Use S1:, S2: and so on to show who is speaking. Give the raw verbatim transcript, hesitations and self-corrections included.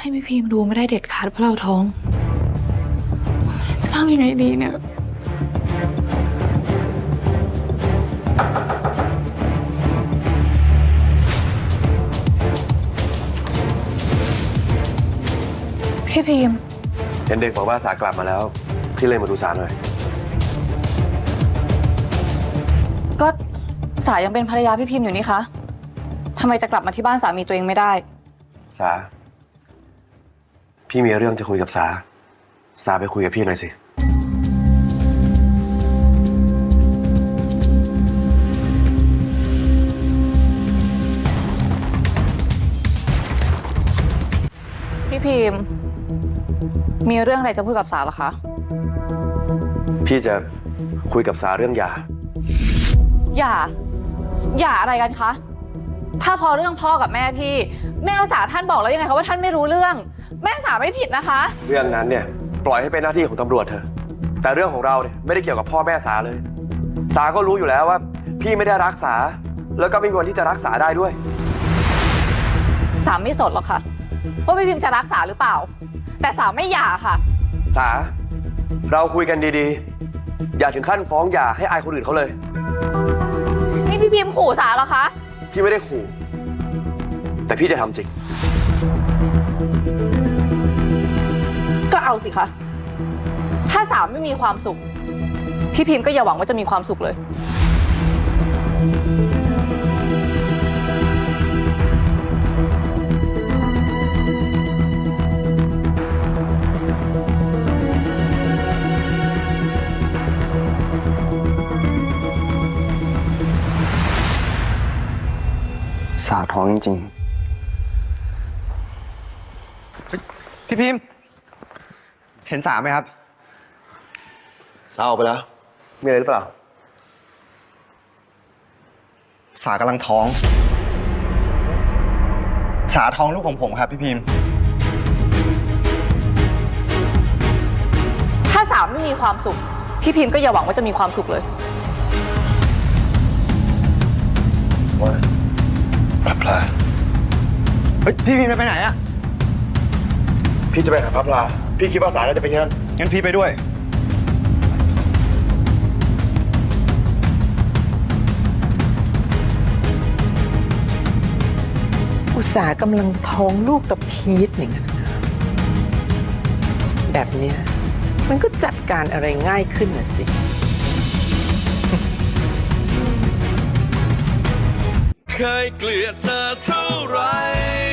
S1: ให้พี่พิมพ์ดูไม่ได้เด็ดขาดเพราะเราท้องจะทำยังไงดีเนี่ยพี่พิมพ์
S2: เห็นเด็กบอกว่าสากลับมาแล้วพี่เลยมาดูสาหน่อย
S1: ก็สายังเป็นภรรยาพี่พิมพ์อยู่นี่คะทำไมจะกลับมาที่บ้านสามีตัวเองไม่ได้
S2: สาพี่มีเรื่องจะคุยกับสาสาไปคุยกับพี่หน่อยสิ
S1: พี่พิมพ์มีเรื่องอะไรจะพูดกับสาเหรอคะ
S2: พี่จะคุยกับสาเรื่องหย่า
S1: หย่าหย่าอะไรกันคะถ้าพอเรื่องพ่อกับแม่พี่แม่สาท่านบอกแล้วยังไงคะว่าท่านไม่รู้เรื่องแม่สาไม่ผิดนะคะ
S2: เรื่องนั้นเนี่ยปล่อยให้เป็นหน้าที่ของตำรวจเถอะแต่เรื่องของเราเนี่ยไม่ได้เกี่ยวกับพ่อแม่สาเลยสาก็รู้อยู่แล้วว่าพี่ไม่ได้รักษาแล้วก็ไม่มีวันที่จะรักษาได้ด้วย
S1: สาไม่สนหรอกค่ะว่าพี่พิมพ์จะรักษาหรือเปล่าแต่สาไม่หย่าค่ะ
S2: สาเราคุยกันดีๆอย่าถึงขั้นฟ้องหย่าให้อายคนอื่นเขาเลย
S1: นี่พี่พิมพ์ขู่สาเหรอคะ
S2: พี่ไม่ได้ขู่แต่พี่จะทำจริง
S1: ก็เอาสิคะถ้าสาไม่มีความสุขพี่พิมพ์ก็อย่าหวังว่าจะมีความสุขเลย
S2: สาท้องจริง
S3: ๆพี่พิมพ์เห็นสาไหมครับ
S2: สาออกไปแล้วมีอะไรหรือเปล่า
S3: สากำลังท้องสาท้องลูกของผมครับพี่พิมพ์
S1: ถ้าสาไม่มีความสุขพี่พิมพ์ก็อย่าหวังว่าจะมีความสุขเลย
S2: ว่าพระพลา
S3: เฮ้ยพี่พิมพ์ไปไหนอะ
S2: พี่จะไปหาพระพลาพี่คิดว่าสาน่าจะไปงั้น
S3: งั้นพี่ไปด้วย
S4: อุตสาหกำลังท้องลูกกับพีทอย่างนั้นแบบเนี้ยมันก็จัดการอะไรง่ายขึ้นน่ะสิ
S5: เคยเกลียดเธอเท่าไร